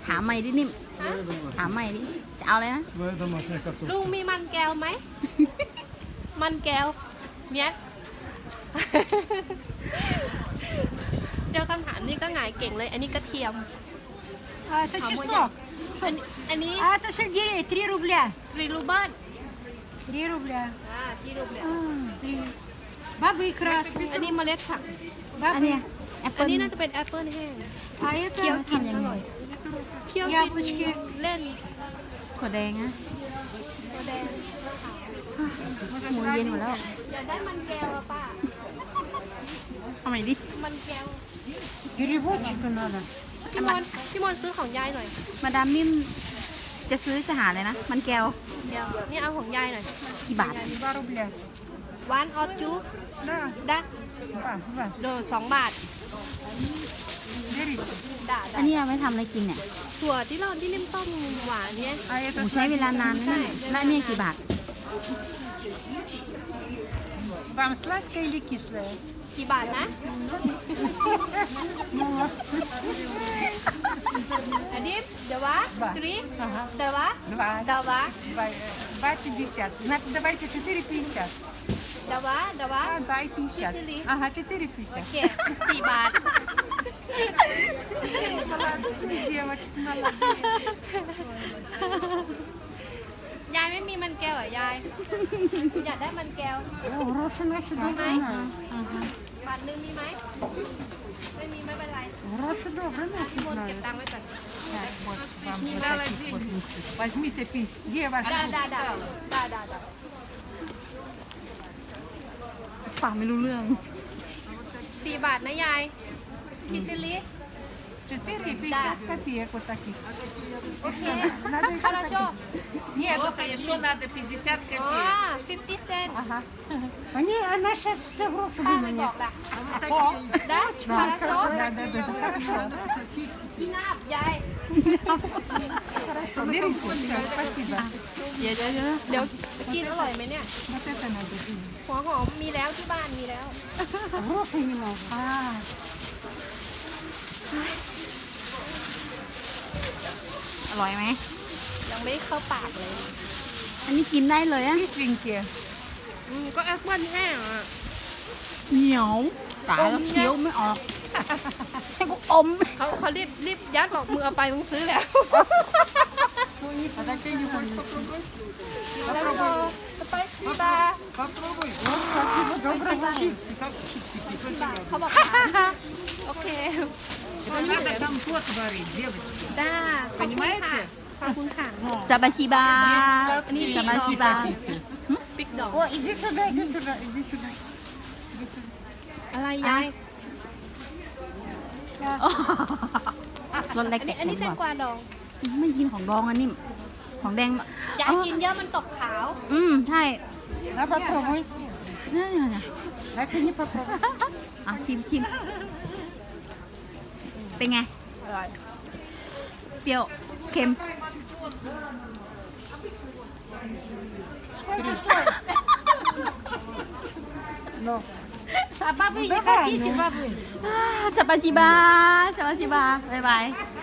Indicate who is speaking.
Speaker 1: ถามใหม่ดินิ่มถามใหม่ดิจะเอาอะไรนะ
Speaker 2: ลุงมีมันแก้วไหม มันแก้วเมียด เจอคำถามนี้ก็หงายเก่งเลย อันนี้กระเทียม
Speaker 3: Это чеснок.
Speaker 2: อันนี้
Speaker 3: А это сельдерей 3 рубля.
Speaker 2: รีรูเบิล
Speaker 3: 3 рубля.
Speaker 2: ที่รูเบิล
Speaker 3: Бабы красные.
Speaker 2: อันนี้เมล็ดผัก
Speaker 1: อัน
Speaker 3: Бабы.
Speaker 1: เนี้ยแอป
Speaker 2: อั
Speaker 1: เปิ้
Speaker 2: น
Speaker 1: ล
Speaker 2: นี้น่าจะเป็นแอปเปิลแห้ง
Speaker 3: А
Speaker 2: เคี้ยว
Speaker 3: это
Speaker 2: กินอร่อยเคี้ยวกิน
Speaker 3: яблочки.
Speaker 2: เล่น
Speaker 1: ถั่วแดงนะ
Speaker 2: ตัวแดง
Speaker 1: หมูเย็นหมดแล้ว
Speaker 2: อยากได้มันแก้วอะป้า
Speaker 1: เอาใหม่ดิ
Speaker 2: มันแก้ว
Speaker 3: Переводчика надо.
Speaker 2: พี่มนซื้อของยายหน่อย
Speaker 1: มาดามนิ่มจะซื้อจะหาเลยนะ มันแก้ว
Speaker 2: เดี๋ยวนี่เอาของยายหน่อย
Speaker 1: กี่บาท
Speaker 3: 2 рубля.
Speaker 2: วานออจู
Speaker 3: Да,
Speaker 2: ดัก
Speaker 3: 2.
Speaker 2: โดน2 บาท
Speaker 3: Берите.
Speaker 2: ด่า
Speaker 1: อันนี้เอาไว้ทำอะไรกินเนี่ย
Speaker 2: ถั่วที่เราที่นิ่มต้มหวานเนี่ย
Speaker 3: А
Speaker 1: ห
Speaker 3: это
Speaker 1: มูใช้เวลานานนะเนี่ยแล้วอันเนี่ยกี่บาท
Speaker 3: вам сладкое или кислое?
Speaker 2: กี่บาทนะ อันนี้เดี๋ยววะตรี
Speaker 3: Ага.
Speaker 2: เดี๋ยววะ
Speaker 3: 2.
Speaker 2: เดี๋ยววะ
Speaker 3: 2,50. Значит, давайте 4,50.
Speaker 2: เดี๋ยววะเดี๋ยววะ
Speaker 3: 2,50. Ага, 4,50.
Speaker 2: โอเค4 บาท
Speaker 3: Молодцы, девочки, молодцы.
Speaker 2: ยายไม่มีมันแก้วเหรอยายอยากได้มันแก้ว
Speaker 3: Гроши наши добрые.
Speaker 2: บาทนึงมีไหมไม่มีไม่เป็นไร
Speaker 3: Гроши добрые
Speaker 2: พี่
Speaker 3: наши
Speaker 2: มนต์เก็บ
Speaker 3: знают.
Speaker 2: ตังค์ไว้ก่อน
Speaker 3: Вот вам вот таких вот. Возьмите 50. Где ваши?
Speaker 2: ได้
Speaker 1: ฟังไม่รู้เรื่อง
Speaker 2: 4 บาทนะยายชิตติลิ
Speaker 3: 4,50 копеек вот таких.
Speaker 2: โอเค
Speaker 3: Надо еще
Speaker 2: คาราโช
Speaker 3: таких. Нет,
Speaker 4: Вот еще надо 50
Speaker 2: อ๋อ
Speaker 4: копеек.
Speaker 2: 50 เซน
Speaker 3: Ага. Она сейчас все гроши
Speaker 2: ป้าไม่บ
Speaker 3: выманит.
Speaker 2: อกละ
Speaker 3: О,
Speaker 2: ได้คาราโช
Speaker 3: да, хорошо.
Speaker 2: ที่นาบยาย
Speaker 3: Хорошо, берите. Всё, спасибо.
Speaker 1: เดี๋ยว
Speaker 2: เดี๋ยวกินอร่อยไหมเนี่ย
Speaker 3: Вот это надо.
Speaker 2: หัวหอมมีแล้วที่บ้านมีแล้ว
Speaker 3: Гроши немного.
Speaker 1: อร่อยไหม
Speaker 2: ยังไม่ได้เข้าปากเลย
Speaker 1: อันนี้กินได้เลยอะ
Speaker 3: Кисленькие.
Speaker 2: ก็แอปเปิ้ลแห้งอ่ะ
Speaker 1: เหนียวตายแล้วเคี้ยวไม่ออกให้กูอม
Speaker 2: เขารีบยัดบอกมือเอาไปมึงซื้อแล้ว
Speaker 3: А такие не помню.
Speaker 2: แล้วก็ไปซีบา
Speaker 3: Попробуй. Доброго.
Speaker 2: เขาบอกโอเค
Speaker 4: Это надо компот варить, девочки.
Speaker 2: ได้ขอบคุณค่ะขอบคุณค่ะ
Speaker 1: ซาบาชิบา
Speaker 4: Сладкие,
Speaker 1: ซาบาชิ
Speaker 4: если
Speaker 1: บา
Speaker 4: хотите.
Speaker 2: ปิกดอก
Speaker 3: О, иди сюда, иди сюда, иди сюда.
Speaker 2: อะไรยาย
Speaker 1: รสเล็ก
Speaker 2: อันนี้แตงกวาดอง
Speaker 1: ไม่กินของดองอันนี้ของแดง
Speaker 2: ยายกินเยอะมันตกขาว
Speaker 1: ใช่
Speaker 3: На, попробуй.
Speaker 1: เนี่ย
Speaker 3: А ты не попробуй.
Speaker 1: อ่ะชิมเป็นไง
Speaker 2: อร่อย
Speaker 1: เปรี้ยวเค็ม
Speaker 3: Ну, а бабы не хотите, бабы?
Speaker 1: สปาชิบาบ๊ายบาย